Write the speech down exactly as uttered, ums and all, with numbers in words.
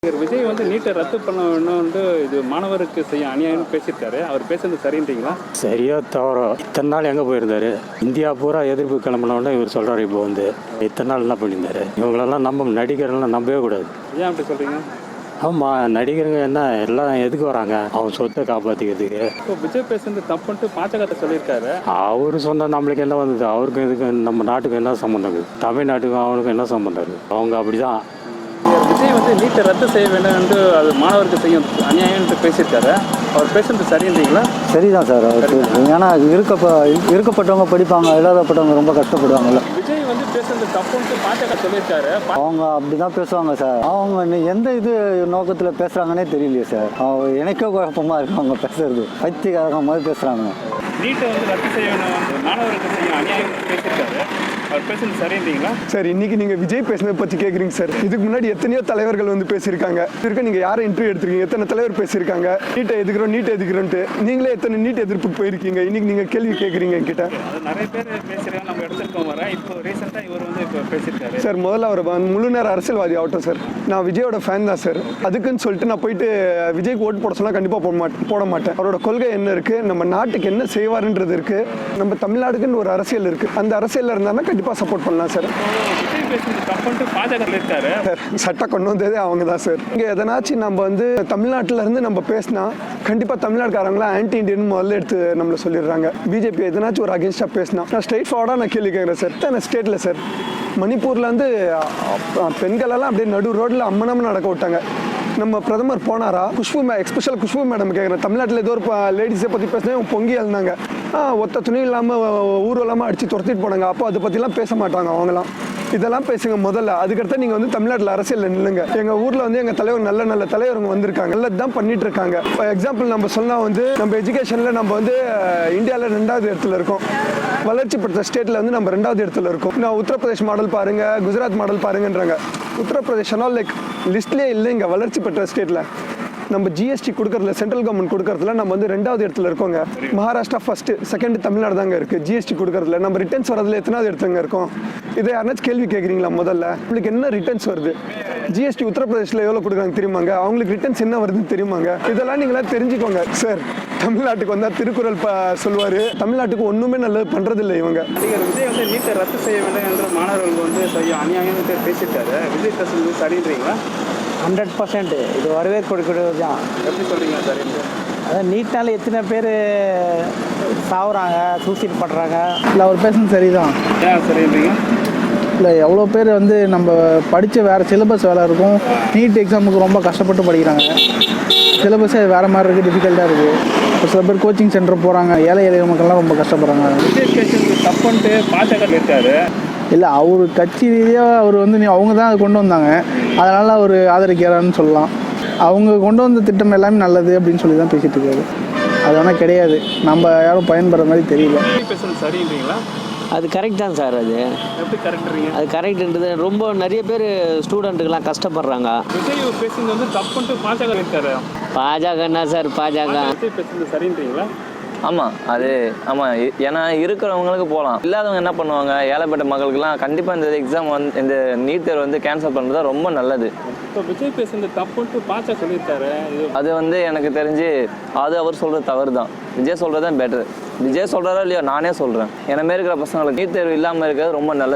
விஜய் வந்து நீட்டை ரத்து பண்ண வேணும்னு இது மாணவருக்கு செய்ய அநியாயம்னு பேசியிருக்காரு. அவர் பேசுறது சரின்றீங்களா? சரியா தவறோ இத்தனை நாள் எங்கே போயிருந்தாரு? இந்தியா பூரா எதிர்ப்பு கிளம்பினோடனே இவர் சொல்கிறார். இப்போ வந்து இத்தனை நாள் என்ன பண்ணியிருந்தாரு? இவங்களெல்லாம் நம்ம நடிகர்கள்லாம் நம்பவே கூடாது. ஏன் அப்படி சொல்கிறீங்க? ஆமாம், நடிகருங்க என்ன எல்லாம் எதுக்கு வராங்க? அவன் சொத்தை காப்பாற்றிக்கிறதுக்கு. இப்போ விஜய் பேசுறது தப்புன்ட்டு பாஜக சொல்லியிருக்காரு. அவர் சொந்த நம்மளுக்கு என்ன வந்தது? அவருக்கு இதுக்கு நம்ம நாட்டுக்கு என்ன சம்மந்தம் இருக்குது? தமிழ்நாட்டுக்கும் அவனுக்கும் என்ன சம்மந்தம் இருக்குது? அவங்க அப்படி தான். விஜய் வந்து நீட்டை ரத்து செய்ய வேண்டும் என்று அது மாணவருக்கு செய்யும் அநியாயம்னு பேசியிருக்காரு. அவர் பேசுறது சரின்றீங்களா? சரிதான் சார். அவருக்கு ஏன்னா இருக்கப்ப இருக்கப்பட்டவங்க படிப்பாங்க, இல்லாதப்பட்டவங்க ரொம்ப கஷ்டப்படுவாங்கல்ல. விஜய் வந்து பேசுறது தப்புன்ட்டு பாஜக சொல்லியிருக்காரு. அவங்க அப்படி தான் பேசுவாங்க சார். அவங்க எந்த இது நோக்கத்தில் பேசுகிறாங்கன்னே தெரியலையே சார். அவங்க எனக்கே குழப்பமாக இருக்கு அவங்க பேசுறது. பைத்தியக்காரங்க மாதிரி பேசுகிறாங்க. நீட்டை வந்து ரத்து செய்ய வேண்டும் மாணவருக்கு செய்யும் அநியாயம் பேசியிருக்காரு. அவர் பேசுறது சரின்றீங்களா? சார், இன்னைக்கு நீங்கள் விஜய் பேசுனதை பற்றி கேட்குறீங்க சார். இதுக்கு முன்னாடி எத்தனையோ தலைவர்கள் வந்து பேசியிருக்காங்க. இருக்க நீங்கள் யாரை இன்டர்வியூ எடுத்துருக்கீங்க? எத்தனை தலைவர் பேசியிருக்காங்க நீட்டை எதுக்குறோம் நீட்டை எதுக்குறோன்ட்டு. நீங்களே எத்தனை நீட் எதிர்ப்புக்கு போயிருக்கீங்க. இன்னைக்கு நீங்கள் கேள்வி கேட்குறீங்க என்கிட்ட. அது நிறைய பேர் பேசுகிறாங்க, நம்ம எடுத்துருக்கோம் வர. இப்போ ரீசெண்டாக இவர் வந்து இப்போ பேசியிருக்காரு. சார், முதல்ல அவர் முழு நேர அரசியல்வாதி ஆகட்டும் சார். நான் விஜயோட ஃபேன் தான் சார். அதுக்குன்னு சொல்லிட்டு நான் போயிட்டு விஜய்க்கு ஓட்டு போட சொன்னால் கண்டிப்பாக போட மாட்டேன் போட மாட்டேன் அவரோட கொள்கை என்ன இருக்குது, நம்ம நாட்டுக்கு என்ன செய்வாருன்றது இருக்குது, நம்ம தமிழ்நாடுக்குன்னு ஒரு அரசியல் இருக்குது. அந்த அரசியலில் இருந்தாலும் கண்டிப்பாக சப்போர்ட் பண்ணலாம் சார். சட்டை கொண்டு வந்ததே அவங்க தான் சார். இங்கே எதனாச்சும் நம்ம வந்து தமிழ்நாட்டில் இருந்து நம்ம பேசினா கண்டிப்பாக தமிழ்நாட்டுக்காரங்களாம் ஆன்டி இண்டியன் முதல்ல எடுத்து நம்மளை சொல்லிடுறாங்க. பிஜேபி எதனாச்சும் ஒரு அகேன்ஸ்டாக பேசினா நான் ஸ்ட்ரெயிட் ஃபார்வர்டாக நான் கேள்வி கேட்குறேன் சார். நான் ஸ்டேட்டில் சார் மணிப்பூரில் வந்து பெண்களெல்லாம் அப்படியே நடு ரோட்டில் அம்மனம்னு நடக்க விட்டாங்க. நம்ம பிரதமர் போனாரா? குஷ்பு மே எக்ஸ்பெஷல் குஷ்பு மேடம் கேட்குறேன். தமிழ்நாட்டில் ஏதோ ஒரு லேடிஸை பற்றி பேசினா பொங்கி எழுந்தாங்க. ஒத்த துணி இல்லாமல் ஊர்வலமாக அடித்து துரத்திட்டு போனாங்க. அப்போ அதை பற்றிலாம் பேச மாட்டாங்க அவங்களாம். இதெல்லாம் பேசுங்க முதல்ல. அதுக்கடுத்து நீங்கள் வந்து தமிழ்நாட்டில் அரசியலில் நில்லுங்க. எங்கள் ஊரில் வந்து எங்கள் தலைவர் நல்ல நல்ல தலைவருங்க வந்திருக்காங்க, நல்லது தான் பண்ணிட்டு இருக்காங்க. இப்போ எக்ஸாம்பிள் நம்ம சொன்னால் வந்து நம்ம எஜுகேஷனில் நம்ம வந்து இந்தியாவில் ரெண்டாவது இடத்துல இருக்கோம். வளர்ச்சி பெற்ற ஸ்டேட்டில் வந்து நம்ம ரெண்டாவது இடத்துல இருக்கோம். நான் உத்தரப்பிரதேஷ் மாடல் பாருங்கள், குஜராத் மாடல் பாருங்கன்றாங்க. உத்தரப்பிரதேஷ்னால் லைக் லிஸ்ட்லேயே இல்லைங்க வளர்ச்சி பெற்ற ஸ்டேட்டில். நம்ம ஜிஎஸ்டி கொடுக்கறதுல சென்ட்ரல் கவர்மெண்ட் கொடுக்கறதுல நம்ம வந்து ரெண்டாவது இடத்துல இருக்கோங்க. மகாராஷ்டிரா ஃபர்ஸ்ட், செகண்ட் தமிழ்நாடு தாங்க இருக்கு ஜிஎஸ்டி கொடுக்கறதுல. நம்ம ரிட்டர்ன்ஸ் வரதுல எத்தனாவது இடத்துங்க இருக்கோம்? இதை யாராச்சும் கேள்வி கேட்குறீங்களா? முதல்ல உங்களுக்கு என்ன ரிட்டர்ன்ஸ் வருது? ஜிஎஸ்டி உத்தரப்பிரதேசில் எவ்வளோ கொடுக்குறாங்க தெரியுமாங்க? அவங்களுக்கு ரிட்டர்ன்ஸ் என்ன வருதுன்னு தெரியுமாங்க? இதெல்லாம் நீங்களா தெரிஞ்சுக்கோங்க சார். தமிழ்நாட்டுக்கு வந்தால் திருக்குறள் ப சொல்லுவார். தமிழ்நாட்டுக்கு ஒன்றுமே நல்லது பண்ணுறதில்லை இவங்க. நடிகர் விஜய் வந்து நீட்டை ரத்து செய்ய வேண்டும் என்று மாணவர்கள் வந்து செய்ய அநியாயம் பேசிட்டாரு. விஜய் பேசுறது சரின்றீங்களா? ஹண்ட்ரட் பர்சன்ட் இது வரவேற்கக்கூடியது தான். எப்படி சொல்கிறீங்க சார்? அதான் நீட்னால எத்தனை பேர் சாவுறாங்க, சூசைட் பண்ணுறாங்க. இல்லை, அவர் பேசுறது சரிதான். ஏன் சரின்றீங்க? இல்லை, எவ்வளோ பேர் வந்து நம்ம படித்த வேறு சிலபஸ் வேலை இருக்கும். நீட் எக்ஸாமுக்கு ரொம்ப கஷ்டப்பட்டு படிக்கிறாங்க. சிலபஸே வேறு மாதிரி இருக்குது, டிஃபிகல்ட்டாக இருக்குது. இப்போ சில பேர் கோச்சிங் சென்டர் போகிறாங்க. ஏழை எளிய மக்கள்லாம் ரொம்ப கஷ்டப்படுறாங்க. விஜய் பேசுறது தப்புன்ட்டு பாஜக இருக்காரு. இல்லை, அவர் கட்சி ரீதியாக அவர் வந்து நீ அவங்க தான் அதை கொண்டு வந்தாங்க, அதனால் அவர் ஆதரிக்கிறான்னு சொல்லலாம். அவங்க கொண்டு வந்த திட்டம் எல்லாமே நல்லது அப்படின்னு சொல்லி தான் பேசிகிட்டு இருக்காரு. அது ஆனால் கிடையாது, நம்ம யாரும் பயன்படுற மாதிரி தெரியல. பேசுறது சரின்றீங்களா? அது கரெக்ட் தான் சார். அது எப்படி கரெக்டுறீங்க? அது கரெக்டுன்றது ரொம்ப நிறைய பேர் ஸ்டூடெண்ட்டுக்கெல்லாம் கஷ்டப்படுறாங்க. விஜய் பேசுறது வந்து தப்புன்ட்டு பாஜக இருக்காரு. பாஜக என்ன சார்? பாஜக விஜய் பேசுறது சரின்றீங்களா? ஆமாம், அது ஆமாம். ஏன்னா இருக்கிறவங்களுக்கு போகலாம், இல்லாதவங்க என்ன பண்ணுவாங்க? ஏழைப்பட்ட மக்களுக்கெல்லாம் கண்டிப்பாக இந்த எக்ஸாம் வந்து இந்த நீட் தேர்வு வந்து கேன்சல் பண்ணுறது ரொம்ப நல்லது. இப்போ விஜய் பேசுறது தப்புன்ட்டு பாஜக சொல்லியிருக்காரு. அது வந்து எனக்கு தெரிஞ்சு அது அவர் சொல்கிறது தவறு தான். விஜய் சொல்கிறது தான் பெட்ரு. விஜய் சொல்கிறாரோ இல்லையோ, நானே சொல்கிறேன். என்ன மாரி இருக்கிற பசங்களுக்கு நீட் தேர்வு இல்லாமல் இருக்கிறது ரொம்ப நல்லது.